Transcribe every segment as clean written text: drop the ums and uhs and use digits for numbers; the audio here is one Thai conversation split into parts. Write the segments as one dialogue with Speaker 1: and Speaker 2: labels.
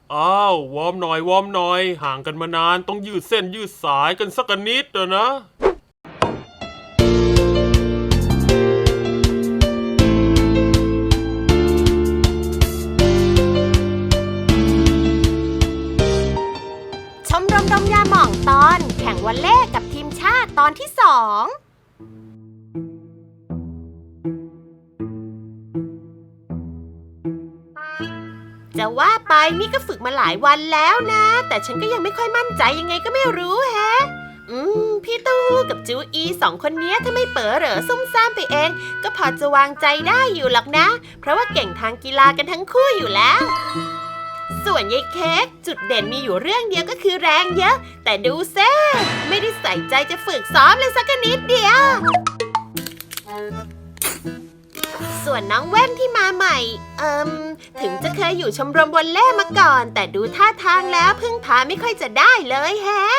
Speaker 1: อ้าววอร์มหน่อยวอร์มหน่อยห่างกันมานานต้องยืดเส้นยืดสายกันสักนิดนะ
Speaker 2: ชมรมดมยาหม่องตอนแข่งวอลเลย์กับทีมชาติตอนที่2จะว่าไปนี่ก็ฝึกมาหลายวันแล้วนะแต่ฉันก็ยังไม่ค่อยมั่นใจยังไงก็ไม่รู้แฮะพี่เต้าหู้กับจูอี2คนนี้ถ้าไม่เป๋อเหรอซุ่มซ่ามไปเองก็พอจะวางใจได้อยู่หรอกนะเพราะว่าเก่งทางกีฬากันทั้งคู่อยู่แล้วส่วนยายเค้กจุดเด่นมีอยู่เรื่องเดียวก็คือแรงเยอะแต่ดูเซ่ไม่ได้ใส่ใจจะฝึกซ้อมเลยสักนิดเดียวส่วนน้องแว่นที่มาใหม่ถึงจะเคยอยู่ชมรมวอลเลย์มาก่อนแต่ดูท่าทางแล้วพึ่งพาไม่ค่อยจะได้เลยแฮะ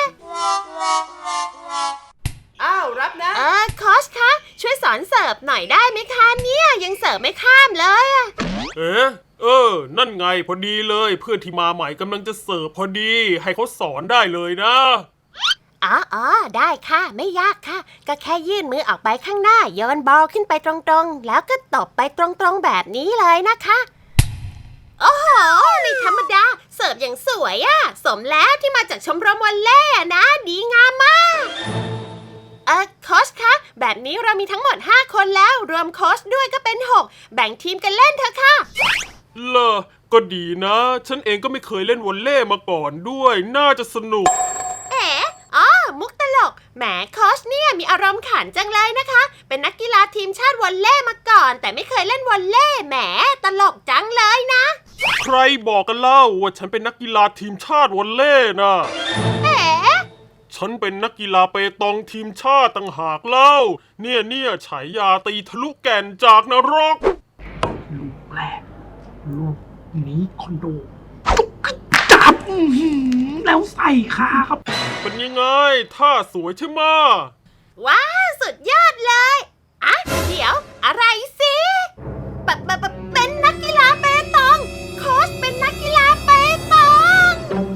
Speaker 3: อ้าวรับนะ
Speaker 2: โค้ชคะช่วยสอนเสิร์ฟหน่อยได้ไหมคะเนี่ยยังเสิร์ฟไม่ข้ามเลย
Speaker 1: นั่นไงพอดีเลยเพื่อนที่มาใหม่กำลังจะเสิร์ฟพอดีให้เขาสอนได้เลยนะ
Speaker 2: อ๋อได้ค่ะไม่ยากค่ะก็แค่ยื่นมือออกไปข้างหน้าโยนบอลขึ้นไปตรงๆแล้วก็ตบไปตรงๆแบบนี้เลยนะคะโอ้โหไม่ธรรมดาเสิร์ฟอย่างสวยอะสมแล้วที่มาจากชมรมวอลเลย์นะดีงามมากโค้ชคะแบบนี้เรามีทั้งหมด5คนแล้วรวมโค้ชด้วยก็เป็น6แบ่งทีมกันเล่นเถอะค่ะ
Speaker 1: ก็ดีนะฉันเองก็ไม่เคยเล่นวอลเลย์มาก่อนด้วยน่าจะสนุก
Speaker 2: มุกตลกแหมโค้ชเนี่ยมีอารมณ์ขันจังเลยนะคะเป็นนักกีฬาทีมชาติวอลเลย์มาก่อนแต่ไม่เคยเล่นวอลเลย์แหมตลกจังเลยนะ
Speaker 1: ใครบอกกันเล่าว่าฉันเป็นนักกีฬาทีมชาติวอลเลย์นะฉันเป็นนักกีฬาเปตองทีมชาติต่างหากเล่าเนี่ยฉายาตีทะลุแก่นจากนรก
Speaker 3: ลูกแรกลูกนี้คอนโดจับแล้วใส่ขาครับ
Speaker 1: เป็นยังไงท่าสวยใช่ไหม
Speaker 2: ว้าวสุดยอดเลยเดี๋ยวอะไรสิเป็นนักกีฬาเปตองโค้ชเป็นนักกีฬาเปตอง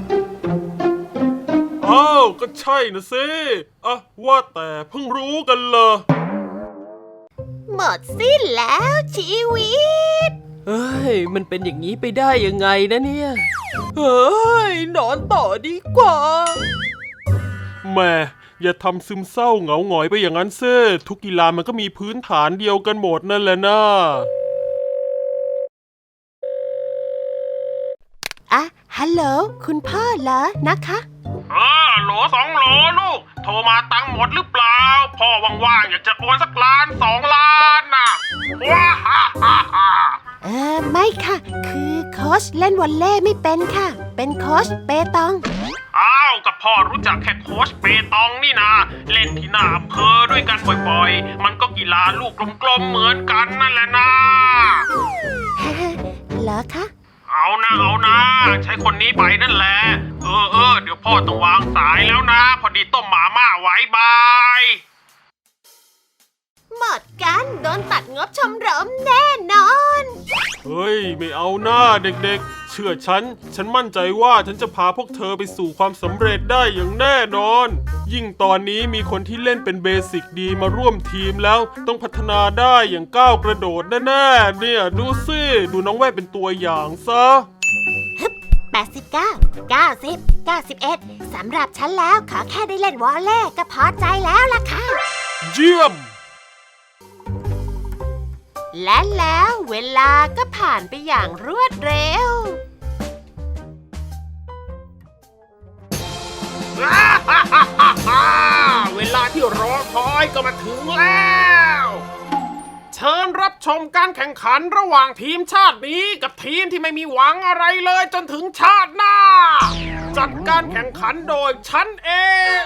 Speaker 1: ก็ใช่นะสิว่าแต่เพิ่งรู้กันเหรอ
Speaker 2: หมดสิ้นแล้วชีวิต
Speaker 4: มันเป็นอย่างนี้ไปได้ยังไงนะเนี่ยนอนต่อดีกว่า
Speaker 1: แม่อย่าทำซึมเศร้าเหงาหงอยไปอย่างนั้นเซ่ทุกกีฬามันก็มีพื้นฐานเดียวกันหมดนั่นแหละนะ
Speaker 2: ฮัลโหลคุณพ่อเหรอนะคะ
Speaker 1: โหล2 โหลลูกโทรมาตังหมดหรือเปล่าพ่อว่างๆอยากจะโอนสักล้าน2 ล้านน่ะว้าฮ่า
Speaker 2: ไม่ค่ะคือโค้ชเล่นวอลเลย์ไม่เป็นค่ะเป็นโค้ชเปตอง
Speaker 1: กับพ่อรู้จักแค่โค้ชเปตองนี่นะเล่นที่หน้าอำเภอด้วยกันบ่อยๆมันก็กีฬาลูกกลมๆเหมือนกันนั่นแหละนะ
Speaker 2: เหรอคะ
Speaker 1: เอานะใช้คนนี้ไปนั่นแหละเดี๋ยวพ่อต้องวางสายแล้วนะพอดีต้มหมาม่าไว้บาย
Speaker 2: หมดกันโดนตัดงบชมรมแน่นอน
Speaker 1: เฮ้ยไม่เอาหน้าเด็กๆเชื่อฉันมั่นใจว่าฉันจะพาพวกเธอไปสู่ความสำเร็จได้อย่างแน่นอนยิ่งตอนนี้มีคนที่เล่นเป็นเบสิกดีมาร่วมทีมแล้วต้องพัฒนาได้อย่างก้าวกระโดดแน่ๆเนี่ยดูสิดูน้องแว่นเป็นตัวอย่างซะ
Speaker 2: 89 90 91สำหรับฉันแล้วขอแค่ได้เล่นวอลเลย์ก็พอใจแล้วล่ะค่ะ
Speaker 1: เยี่ยม
Speaker 2: และแล้วเวลาก็ผ่านไปอย่างรวดเร็ว
Speaker 1: เวลาที่รอคอยก็มาถึงแล้วเชิญรับชมการแข่งขันระหว่างทีมชาตินี้กับทีมที่ไม่มีหวังอะไรเลยจนถึงชาติหน้าจัดการแข่งขันโดยฉันเอง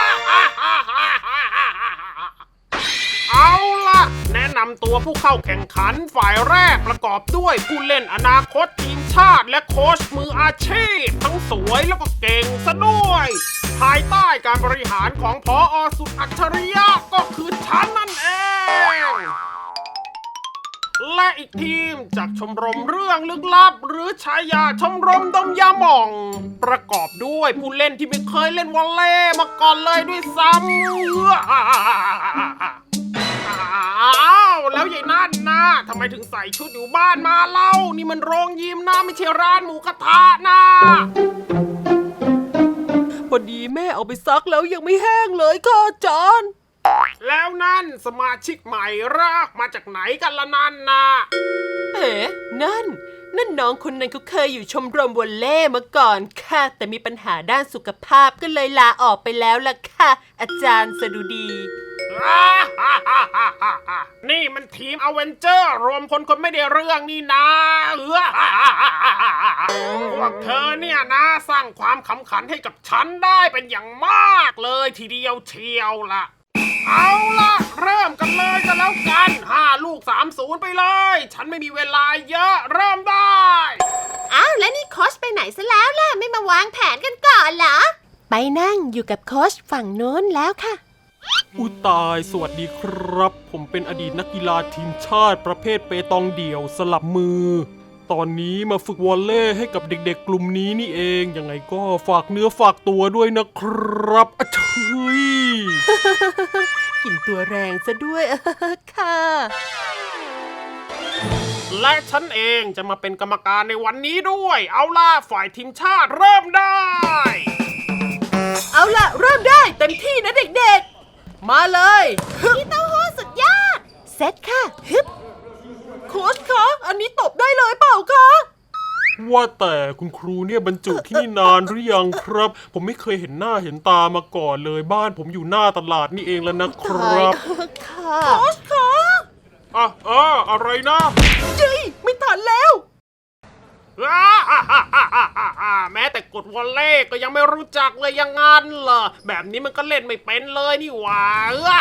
Speaker 1: เอาล่ะแนะนำตัวผู้เข้าแข่งขันฝ่ายแรกประกอบด้วยผู้เล่นอนาคตทีมชาติและโค้ชมืออาชีพทั้งสวยแล้วก็เก่งซะด้วยภายใต้การบริหารของผอ.สุดอัจฉริยะก็คือฉันนั่นเองและอีกทีมจากชมรมเรื่องลึกลับหรือฉายาชมรมดมยาหม่อง ประกอบด้วยผู้เล่นที่ไม่เคยเล่นวอลเลย์มาก่อนเลยด้วยซ้ำอ้าวแล้วยายนั่นนะทำไมถึงใส่ชุดอยู่บ้านมาเล่านี่มันโรงยิมนะไม่ใช่ร้านหมูกระทะนะ
Speaker 4: พอดีแม่เอาไปซักแล้วยังไม่แห้งเลยค่ะอาจารย์
Speaker 1: แล้วนั่นสมาชิกใหม่รากมาจากไหนกันละนั่นนะ
Speaker 4: เอ๋นั่นน้องคนนั้นเขาเคยอยู่ชมรมวอลเลย์มาก่อนค่ะ แต่มีปัญหาด้านสุขภาพก็เลยลาออกไปแล้วล่ะค่ะ อาจารย์สดุดี
Speaker 1: นี่มันทีมอเวนเจอร์รวมคนไม่ได้เรื่องนี่นะพวกเธอเนี่ยนะสร้างความขำขันให้กับฉันได้เป็นอย่างมากเลยทีเดียวเชียวล่ะ เอาล่ะเริ่มกันเลยกันแล้วกัน5 ลูก 3-0 ไปเลย ฉันไม่มีเวลาเยอะเริ่มได้
Speaker 2: อ้าวแล้วนี่โค้ชไปไหนซะแล้วล่ะไม่มาวางแผนกันก่อนเหรอไปนั่งอยู่กับโค้ชฝั่งโน้นแล้วค่ะ
Speaker 1: อุยตายสวัสดีครับ ผมเป็นอดีตนักกีฬาทีมชาติประเภทเปตองเดี่ยวสลับมือ ตอนนี้มาฝึกวอลเลย์ให้กับเด็กๆกลุ่มนี้นี่เองยังไงก็ฝากเนื้อฝากตัวด้วยนะครับอะเชย
Speaker 4: กลิ่นตัวแรงซะด้วย ค่ะ
Speaker 1: และฉันเองจะมาเป็นกรรมการในวันนี้ด้วยเอาล่ะฝ่ายทีมชาติเริ่มได้
Speaker 4: เอาล่ะเริ่มได้เต็มที่นะเด็กๆ มาเลย
Speaker 2: พี่เต้าหู้สุดยอดเซตค่ะฮึบ
Speaker 4: โค้ชคะอันนี้ตบได้เลยเปล่าคะ
Speaker 1: ว่าแต่คุณครูเนี่ยบรรจุที่นี่นานหรือยังครับ ผมไม่เคยเห็นหน้าเห็นตามาก่อนเลยบ้านผมอยู่หน้าตลาดนี่เองแล้วนะครับ
Speaker 2: ค่ะ
Speaker 4: โค้ชคะ
Speaker 1: อะไรนะ
Speaker 4: จีไม่ทันแล้ว
Speaker 1: แม้แต่กดวอลเล่ก็ยังไม่รู้จักเลยยังงั้นเหรอแบบนี้มันก็เล่นไม่เป็นเลยนี่หว่า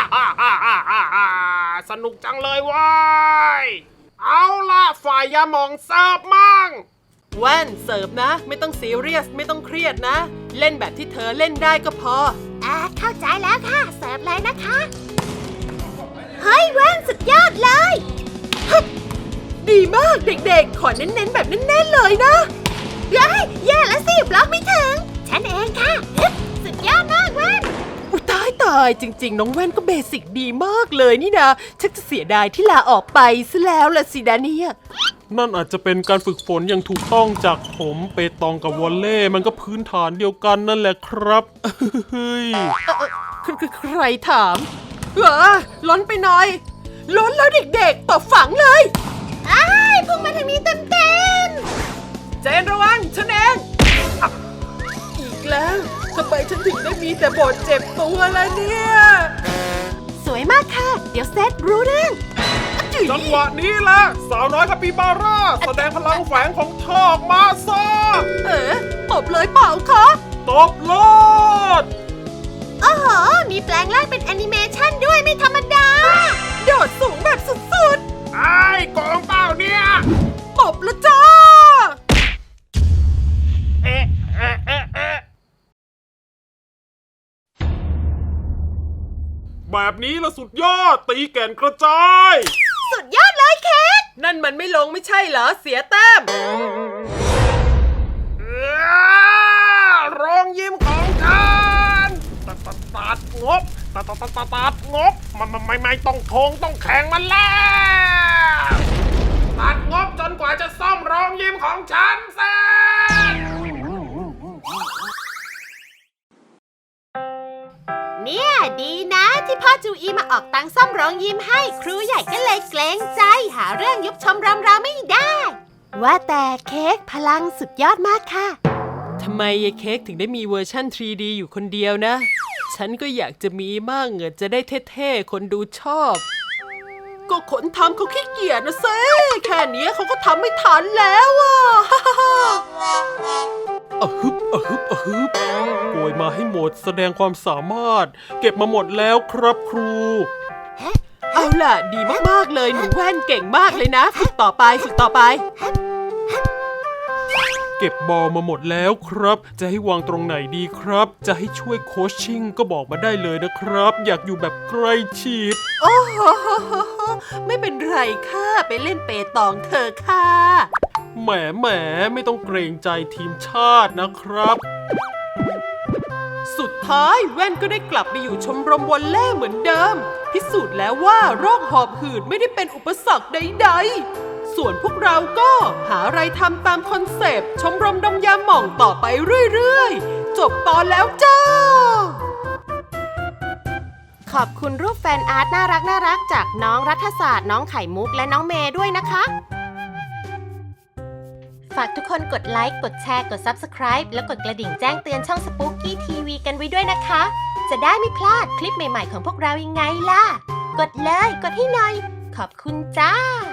Speaker 1: สนุกจังเลยว้ายเอาล่ะฝ่ายยาหมองเสิร์ฟมั่ง
Speaker 4: แว่นเสิร์ฟนะ ไม่ต้องซีเรียสไม่ต้องเครียดนะ เล่นแบบที่เธอเล่นได้ก็พอ
Speaker 2: เข้าใจแล้วค่ะเสิร์ฟเลยนะคะเฮ้ยแว่นสุดยอดเลย
Speaker 4: ดีมากเด็กๆ ขอเน้นๆแบบแน่นๆเลยนะ
Speaker 2: เฮ้ยแย่แล้วสิบล็อกไม่ถึงฉันเองค่ะฮึบสุดยอดมากแว่น
Speaker 4: อุยตายจริงๆ น้องแว่นก็เบสิกดีมากเลยนี่นะชักจะเสียดายที่ลาออกไปซะแล้วล่ะสิดาเนี่ย
Speaker 1: นั่นอาจจะเป็นการฝึกฝนอย่างถูกต้องจากผมเปตองกับวอลเล่มันก็พื้นฐานเดียวกันนั่นแหละครับเฮ้ย
Speaker 4: ใครถามล้นไปหน่อย ล้นแล้วเด็กๆตบฝังเลย
Speaker 2: พุ่งมาทางนี้เต็ม
Speaker 4: เจนระวังฉันเองอีกแล้วทำไมฉันถึงได้มีแต่บทเจ็บตัวล่ะเนี่ย
Speaker 2: ๆสวยมากค่ะ เดี๋ยวเซตรู้เรื่อง
Speaker 1: จังหวะนี้แหละสาวน้อยคาปิบาร่าแสดงพลังแฝงของเธอออกมาซะ
Speaker 4: ตบเลยเปล่าคะ
Speaker 1: ตบโลด
Speaker 2: โอ้โหมีแปลงร่างเป็นแอนิเมชันด้วยไม่ธรรมดา
Speaker 4: โดดสูงแบบสุด
Speaker 1: ไอ้โกงเปล่าเนี่ย
Speaker 4: ๆตบละจ้า
Speaker 1: เอ๊ะแบบนี้ละสุดยอดตีแก่นกระจาย
Speaker 2: สุดยอดเลยเค้ก
Speaker 4: นั่นมันไม่ลงไม่ใช่เหรอเสียแต้ม
Speaker 1: โรงยิมของฉันตัดงบตัดงบมันไม่ต้องโคงต้องแข่งมันแล้วตัดงบจนกว่าจะซ่อมโรงยิมของฉันเสร็จ
Speaker 2: เนี่ยดีนะที่พ่อจูอีมาออกตังค์ซ่อมโรงยิมให้ครูใหญ่ก็เลยเกรงใจหาเรื่องยุบชมรมเราไม่ได้ ว่าแต่เค้กพลังสุดยอดมากค่ะ
Speaker 4: ทำไมยายเค้กถึงได้มีเวอร์ชั่น 3D อยู่คนเดียวนะ ฉันก็อยากจะมีมั่งจะได้เท่ๆ คนดูชอบ ก็คนทำเขาขี้เกียจนะเซ่แค่นี้เขาก็ทำไม่ทันแล้วอ่ะ
Speaker 1: ฮึบโกยมาให้หมดแสดงความสามารถ เก็บมาหมดแล้วครับครู
Speaker 4: เอาล่ะ ดีมากๆเลยหนูแว่นเก่งมากเลยนะ ฝึกต่อไป
Speaker 1: เก็บบอลมาหมดแล้วครับ จะให้วางตรงไหนดีครับ จะให้ช่วยโคชชิ่งก็บอกมาได้เลยนะครับ อยากอยู่แบบใกล้ชิด
Speaker 4: โอ้โหไม่เป็นไรค่ะ ไปเล่นเปตองเธอค่ะ
Speaker 1: แหมไม่ต้องเกรงใจทีมชาตินะครับ
Speaker 4: สุดท้ายแว่นก็ได้กลับไปอยู่ชมรมวอลเล่เหมือนเดิม พิสูจน์แล้วว่าโรคหอบหืดไม่ได้เป็นอุปสรรคใดๆ ส่วนพวกเราก็หาอะไรทำตามคอนเซปต์ชมรมดมยาหม่องต่อไปเรื่อยๆ จบตอนแล้วจ้า
Speaker 2: ขอบคุณรูปแฟนอาร์ตน่ารักจากน้องรัฐศาสตร์น้องไข่มุกและน้องเมย์ด้วยนะคะ ฝากทุกคนกดไลค์ กดแชร์ กด Subscribe แล้วกดกระดิ่งแจ้งเตือนช่อง Spooky TV กันไว้ด้วยนะคะ จะได้ไม่พลาดคลิปใหม่ๆของพวกเรายังไงล่ะ กดเลย กดให้หน่อย ขอบคุณจ้า